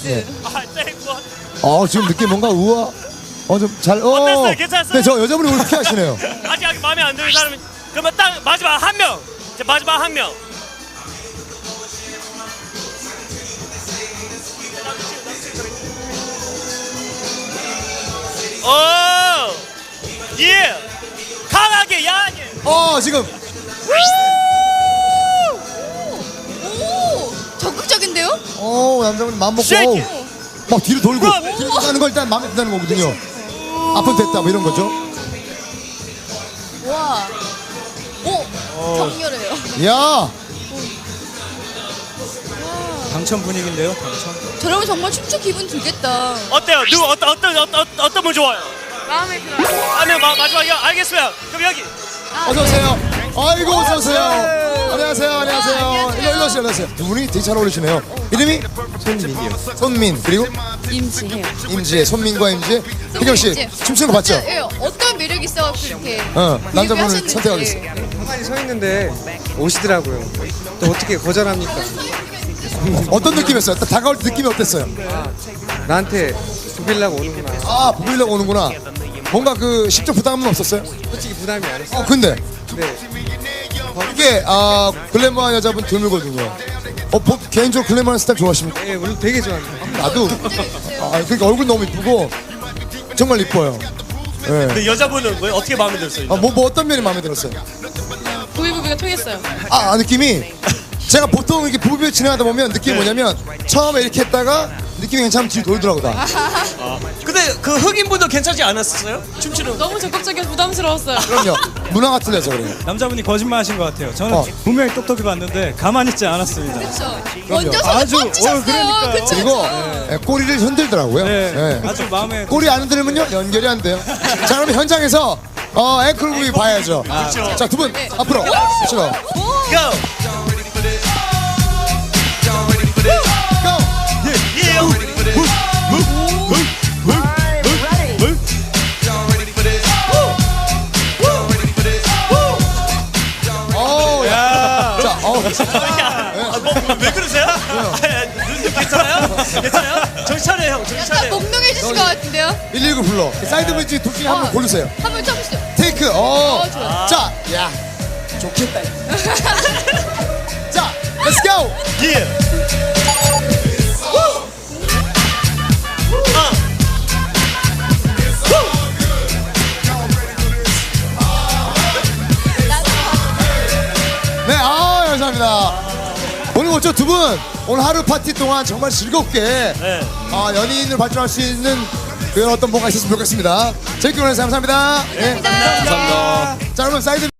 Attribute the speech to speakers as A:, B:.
A: 네.
B: 뭐.
A: 지금 느낌 뭔가 우아. 좀 잘.
B: 어땠어요? 괜찮았어요?
A: 네, 저 여자분이 오늘 피하시네요.
B: 아직 마음에 안 드는 사람이 그러면 딱 마지막 한 명. 이제 마지막 한 명. 예. 강하게 야하게.
A: 지금.
C: 오, 적극적인데요?
A: 남자분 마음 먹고.
B: 쉐이키.
A: 막 뒤로 돌고.
B: 그럼.
A: 뒤로 가는 걸 일단 마음에 든다는 거거든요. 앞은 됐다 뭐 이런 거죠.
C: 와, 오, 격렬해요.
A: 야.
D: 당첨 분위기인데요, 당첨.
C: 저러면 정말 춤추 기분 들겠다.
B: 어때요? 누구 어떤 분 좋아요?
C: 마음에 들어요.
B: 하면 마지막이요. 알겠어요. 그럼 여기.
A: 어서 오세요. 아이고 어서 오세요. 안녕하세요. 일로 오세요. 두 분이 되게 잘 어울리시네요. 이름이
D: 손민이요.
A: 손민 그리고
C: 임지혜요.
A: 임지혜. 손민과 임지혜. 혜경 씨 춤추는 거 봤죠?
C: 예, 어떤 매력 있어 그렇게.
A: 남자분을
C: 하셨는지.
A: 선택하겠습니다.
D: 가만히 서 있는데 오시더라고요. 또 어떻게 거절합니까?
A: 어떤 느낌이었어요? 딱 다가올 때 느낌이 어땠어요?
D: 나한테 부빌라고 오는구나.
A: 부르려고 오는구나. 뭔가 그 심적 부담은 없었어요?
D: 솔직히 부담이 안 했어요.
A: 근데
D: 네.
A: 이게 글래머한 여자분 드물거든요. 개인적으로 글래머한 스타일 좋아하십니까?
D: 예, 물론 되게 좋아합니다.
A: 나도. 그러니까 얼굴 너무 이쁘고 정말 이뻐요. 네.
B: 근데 여자분은 왜 어떻게 마음에 들었어요?
A: 뭐 어떤 면이 마음에 들었어요?
C: 부비부비가 통했어요.
A: 느낌이 제가 보통 이렇게 부부비 진행하다 보면 느낌이 뭐냐면 처음에 이렇게 했다가 느낌이 괜찮으면 뒤로 돌더라고 다.
B: 근데 그 흑인분도 괜찮지 않았었어요? 춤추는 거.
C: 너무 적극적이어서 부담스러웠어요.
A: 그럼요. 문화가 틀려서 그래요.
D: 남자분이 거짓말하신 것 같아요. 저는 분명히 똑똑히 봤는데 가만히 있지 않았습니다.
C: 그렇죠. 먼저 손을
D: 아주,
C: 뻗치셨어요.
D: 그러니까요.
C: 그쵸?
A: 그리고 꼬리를 흔들더라고요.
D: 네, 아주 마음에
A: 꼬리 안 흔들면요 연결이 안 돼요. 자 그럼 현장에서 앵클 부위 봐야죠. 자 두 분 앞으로 싫어.
B: Go. 왜 그러세요? 괜찮아요? 정신 차려요, 형. 정신
C: 약간
B: 차려요.
C: 몽롱해지신 것 같은데요?
A: 119 불러. 사이드 브릿지 둘 중에 한 분 고르세요.
C: 한번 쳐보시죠.
A: 테이크.
C: 좋아요.
A: 자, 야, 좋겠다. 자, let's go.
B: 예.
A: 네, 감사합니다. 오늘 어쩌 두 분 오늘 하루 파티 동안 정말 즐겁게
B: 네.
A: 연인을 발전할 수 있는 그런 어떤 뭔가 있었으면 좋겠습니다. 재밌게 보내주셔서 감사합니다. 네.
C: 감사합니다.
A: 자, 그러면 사이드